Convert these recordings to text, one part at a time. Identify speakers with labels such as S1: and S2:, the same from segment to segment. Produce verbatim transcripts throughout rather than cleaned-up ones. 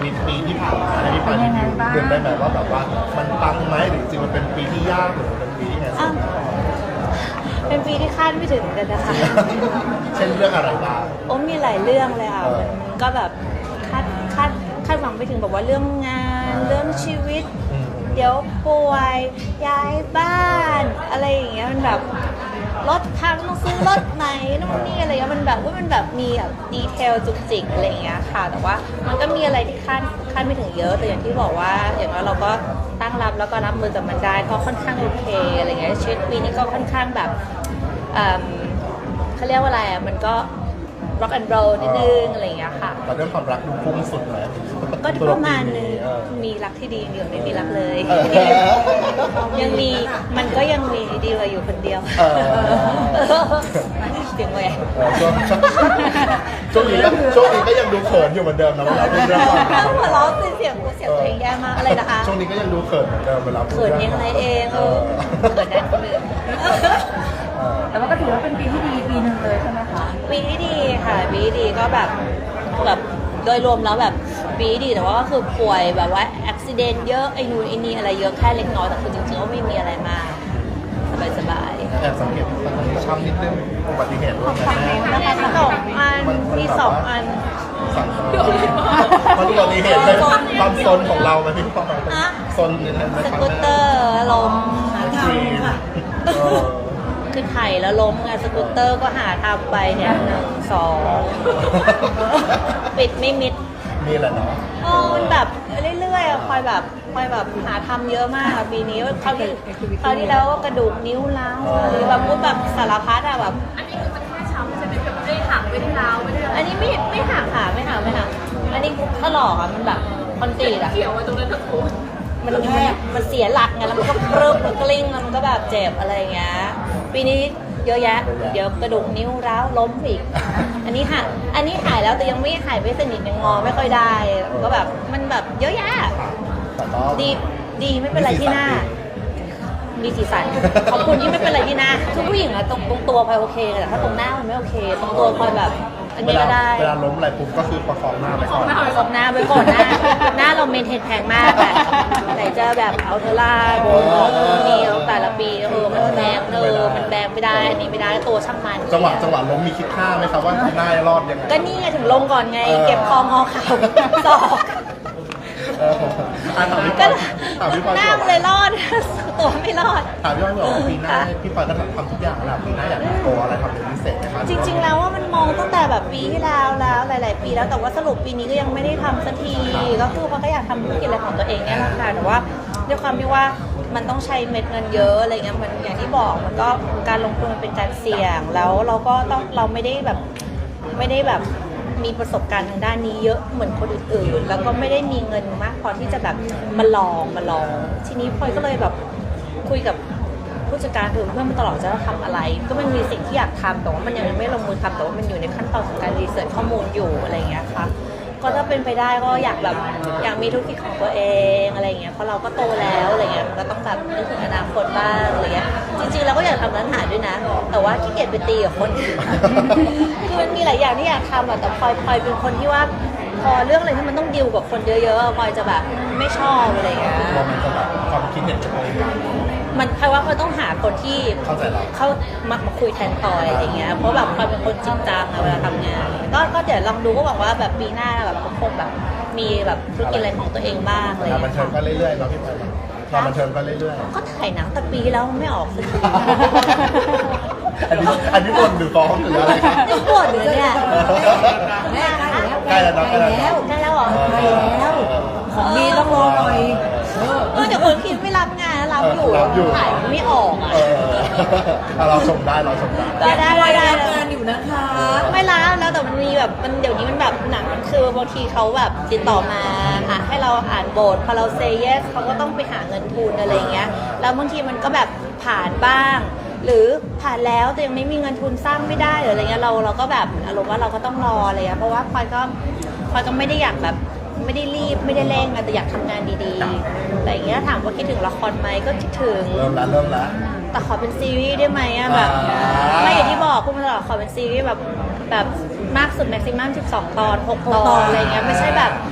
S1: วิตปีที่ผ่านมาในที่ผ่านมาเดือนได้ไหมว่าแบบว่ามันปังไหมหรือจริงมันเป็นปีที่ยากหรือเป็นปีที่ไงสุด
S2: เป็นปีที่คาดไม่ถึงกันนะคะ
S1: เช่นเรื่องอะไรบ้าง
S2: โอ้มีหลายเรื่องเลยค่ะ
S1: เออ
S2: มันก็แบบคาดคาดคาดหวังไปถึงแบบว่าเรื่องงาน เรื่องชีวิต
S1: อืม
S2: เดี๋ยวป่วยย้ายบ้าน อะไรอย่างเงี้ยมันแบบรถพังต้องซื้อรถใหม่นู่นนี่อะไรเงี้ยมันแบบว่ามันแบบมีแบบดีเทลจุกจิกอะไรอย่างเงี้ยค่ะ แต่ว่ามันก็มีอะไรที่คาดคาดไม่ถึงเยอะแต่อย่างที่บอกว่าอย่างน้อยเราก็ตั้งรับแล้วก็รับมือกับมันได้ก็ค่อนข้างโอเคอะไรเงี้ยชีวิตปีนี้ก็ค่อนข้างแบบเอิ่มเขาเรียกว่าอะไรอ่ะมันก็ rock and roll นิดนึงอะไรอย่างเงี้ยค่ะ
S1: แต่เรื่องความรักดูพุ่งสุดเลย
S2: ก็ประมาณนึง
S1: เออ
S2: มีรักที่ดีอยู่ไม่มีรักเลย
S1: เออ
S2: ยังมีมันก็ยังมีดีกว่าอยู่คนเดียว
S1: เออ
S2: เสียงแหวก
S1: เออช่วงช่วงนี้ก็ช่วงนี้ก็ยังดูเขินอยู่เหมือนเดิมนะเวลาพูดเรื่องความรัก
S2: หัวเราะสิเสียงเสียงเพลงแย่มากอะไรนะคะ
S1: ช่วงนี้ก็ยังดูเขินเหมือนเดิมเวลาพูด
S2: เขิน
S1: รื่
S2: ยังไงเองเออเขินได้คนอื่น
S1: เออ
S3: แต่ว่าก็ถือว่าเป็นปีที่ดีปีหนึ่งเลยใช่ไหมคะ
S2: ปีที่ดีค่ะปีที่ดีก็แบบแบบโดยรวมแล้วแบบปีที่ดีแต่ว่าก็คือป่วยแบบว่าอุบิเหตุเยอะไอ้นู่นไอ้นี่อะไรเยอะแค่เล็กน้อยแต่คือจริงๆก็ไม่มีอะไรมากสบายๆ
S1: แอบสังเกตตอนนี้ช้ำนิดนึงอุบัติเหตุด้วยนะ
S2: มีสองอันมีสองอัน
S1: สั่งมันอุบัติเหตุเป็นความซนของเราไหมพี่ปอย
S2: ฮะ
S1: ซนในทาง
S2: สกูตเตอร์ล้ม
S1: ฟรีเออ
S2: คือไถ่แล้วล้มไงสกูตเตอร์ก็หาทำไปเนี่ยหนึ่งสองปิดไม่มิด
S1: นี่แหละเนาะ
S2: โอ้มันแบบเรื่อยๆอะคอยแบบคอยแบบหาทำเยอะมากอะปีนี้คราวที่คราวที่แล้วก็กระดูกนิ้วร้าวหรือแบบพูดแบบสารพัดอะแบบ
S3: อันนี้คือมันแค่ช้ำใช่ไหมแบบไม่ได้หักไม่ได้ร้าวไม่ได้อะไร
S2: อันนี้ไม่ไม่หักค่ะไม่หักไม่หักอันนี้ถลอกอะมันแบบคอนกรีตอะ
S3: เกี่ยวไว้ตรงนั้นทั้งคู่
S2: มันแทบมันเสียหลักไงแล้วมันก็ปรึบมันกลิ้งแล้วมันก็แบบเจ็บอะไรอย่างเงี้ยปีนี้เยอะแยะ เดี๋ยวกระดูกนิ้วร้าวล้มอีก อันนี้หายอันนี้หายแล้วแต่ยังไม่หายไม่สนิทยังงอไม่ค่อยได้ก็แบบมันแบบเยอะแยะ
S1: แต่ก็
S2: ดีดีไม่เป็นไรที่หน้า มีสีสันขอบคุณที่ไม่เป็นไรที่หน้าทุกผู้หญิงอะตรงตรงตัวพลอยโอเคแต่ถ้าตรงหน้ามันไม่โอเคตรงตัวพลอยแบบ อัน
S1: เว
S2: นี้
S1: ลา
S2: ก็ได้
S1: เวลาล้มอะไรปุ๊บก็คือประคองหน้าไปก่อน
S2: ตรงหน้าไปก่อนหน้าหน้าเราเมนเทนแพงมากอะไหนจะแบบเอาเทอร่าโบนนี่แต่ละปีเออมันแบงเออมันแบงไม่ได้อันนี้ไม่ได้ตัวช่างมัน
S1: จังหวะจังหวะล้มมีคิดท่าไหมครับว่าหน้ารอดยังไง
S2: ก็นี่ไงถึงลงก่อนไง
S1: เออ
S2: เก็บคองอเข่าศอก
S1: เอออ่ะถามพี่ป
S2: ก็
S1: อยถามพี่ปอย
S2: หน้ามันเลยรอด ตัวไม่รอด
S1: ถามพี่ปอยบอกว่าปีหน้าพี่ปอยก็ทำทุกอย่างแล้วปีหน้าอยากโกอะไรทำเป็นพิเศษไหมครับ
S2: จริง ๆ แล้วว่ามันมองตั้งแต่แบบปีที่แล้วแล้วหลาย ๆ ปีแล้วแต่ว่าสรุปปีนี้ก็ยังไม่ได้ทำสักทีก็คือเพราะก็อยากทำธุรกิจอะไรของตัวเองเนี่ยแหละค่ะแต่ว่าด้วยความที่ว่ามันต้องใช้เม็ดเงินเยอะอะไรเงี้ยมันอย่างที่บอกมันก็การลงทุนมันเป็นการเสี่ยงแล้วเราก็ต้องเราไม่ได้แบบไม่ได้แบบมีประสบการณ์ทางด้านนี้เยอะเหมือนคนอื่นๆแล้วก็ไม่ได้มีเงินมากพอที่จะแบบมาลองมาลองทีนี้พลอยก็เลยแบบคุยกับผู้จัดการคือเพื่อนมาตลอดจะทำอะไร ก็มันมีสิ่งที่อยากทำแต่ว่ามันยังไม่ลงมือทำแต่ว่ามันอยู่ในขั้นตอนของการรีเสิร์ชข้อมูลอยู่อะไรอย่างเงี้ยค่ะก็ถ้าเป็นไปได้ก็อยากแบบอยากมีธุรกิจของตัวเองอะไรอย่างเงี้ยเพราะเราก็โตแล้วอะไรเงี้ยมันก็ต้องแบบนึกถึงอนาคตบ้างอะไรเงี้ยจริงๆเราก็อยากทำร้านอาหารด้วยนะ แต่ว่าขี้เกียจไปตีกับคน คือมันมีหลายอย่างที่อยากทำอะแต่พลอยพลอยเป็นคนที่ว่าพอเรื่องอะไรที่มันต้องดิวกับคนเยอะๆพลอยจะแบบไม่ชอบอะไรอย่างเงี้ย
S1: ว่ามันจะแบบความคิดเห็นจะตรงกัน
S2: มันพลอยว่าพลอยต้องหาคนที่
S1: เข้าใจเรา
S2: เขามามาคุยแทนพลอยอะไรอย่างเงี้ยเพราะแบบพลอยเป็นคนจริงจังอะเวลาทำงานก็ก็เดี๋ยวลองดูก็หวังว่าแบบปีหน้าแบบคงแบบมีแบบธุรกิจอะไรของตัวเองบ้างอะไรอย่าง
S1: งานบัน
S2: เงี้ย
S1: เทิงก็เรื่อยๆเนาะพี่ปอยงานบันเทิงก็เรื่อย
S2: ก็ถ่ายหนังแต่ปีแล้วไม่ออกสักที
S1: ๆอันนี้อันนี้บนหรือฟ้องหรืออะไรครับ
S2: จะปวดเลยเนี่ย
S1: ใกล้แล้วเนาะใกล้แล้ว
S2: ใกล้แล้วเหรอ
S1: ใกล้แล้ว
S3: ของดีต้องรอหน่อย
S2: เออเดี๋ยวคนคิดไม่รับงานรับอยู่
S1: รับอยู่
S2: ถ่ายไม่ออกอ่ะ
S1: เออเอาเราชมได้เราชมได้
S2: ก็ได้ได้ได้
S3: รับงานอยู่นะคะ
S2: ไม่รับแล้วแต่มันมีแบบมันเดี๋ยวนี้มันแบบหนังมันคือบางทีเขาแบบติดต่อมาอ่ะให้เราอ่านบทพอเราเซเยสเขาก็ต้องไปหาเงินทุนอะไรเงี้ยแล้วบางทีมันก็แบบผ่านบ้าง หรือผ่านแล้วแต่ยังไม่มีเงินทุนสร้างไม่ได้หรืออะไรเงี้ยเราเราก็แบบอารมณ์ว่าเราก็ต้องรออะไรเงี้ยเพราะว่าพลอยก็พลอยก็ไม่ได้อยากแบบไม่ได้รีบไม่ได้เร่งอะแต่อยากทำงานดีๆอะไรเงี้ยถามว่าคิดถึงละครไหมก็คิดถึง
S1: เริ่มแล้วเริ่มแล้ว
S2: แต่ขอเป็นซีรีส์ได้ไหมอะแบบ
S1: อ่า
S2: ไม่อย่างที่บอกคุณมาตลอดขอเป็นซีรีส์แบบแบบมากสุดแม็กซิมัมสิบสองตอนหกตอนอะไรเงี้ยไม่ใช่แบบสามสิบ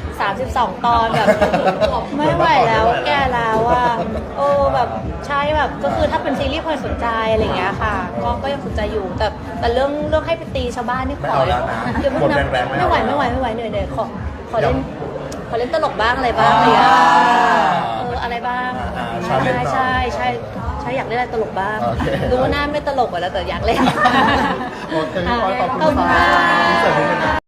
S2: สองตอนแบบไม่ไหวแล้วแก่แล้วอ่ะโอ้แบบใช่แบบก็คือถ้าเป็นซีรีส์พลอยสนใจอะไรอย่างเงี้ยค่ะก็ก็ยังสนใจอยู่แต่แต่เรื่องเรื่องให้ไปตีชาวบ้านนี่ข
S1: ไม่
S2: อ
S1: เอาแล้วนะ
S2: เดี๋ยว
S1: บท
S2: นะ
S1: แรงๆไม่
S2: ไม่
S1: เอา
S2: ไหว
S1: แล้ว
S2: ไม่ไหวไม่ไหวเหนื่อยเหนื่อยขอขอเล่น
S1: ยัง
S2: ขอเล่นตลกบ้างอะไรบ้างอะไรอย่างเงี้ยเอออะไรบ้าง
S1: อ่า
S2: ใช่
S1: challenge
S2: ใช่ใช่ใช่อยากเล่นอะไรตลกบ้าง
S1: โอเค
S2: รู้ว่าหน้าไม่ตลกอะแล้วแต่อยากเล่น
S1: โอเคพี่พลอยขอบ
S2: ขอบ
S1: คุ
S2: คุณ ณ
S1: ค่ะ
S2: ค่ะ
S1: ที่เสร็จนิดนึงนะ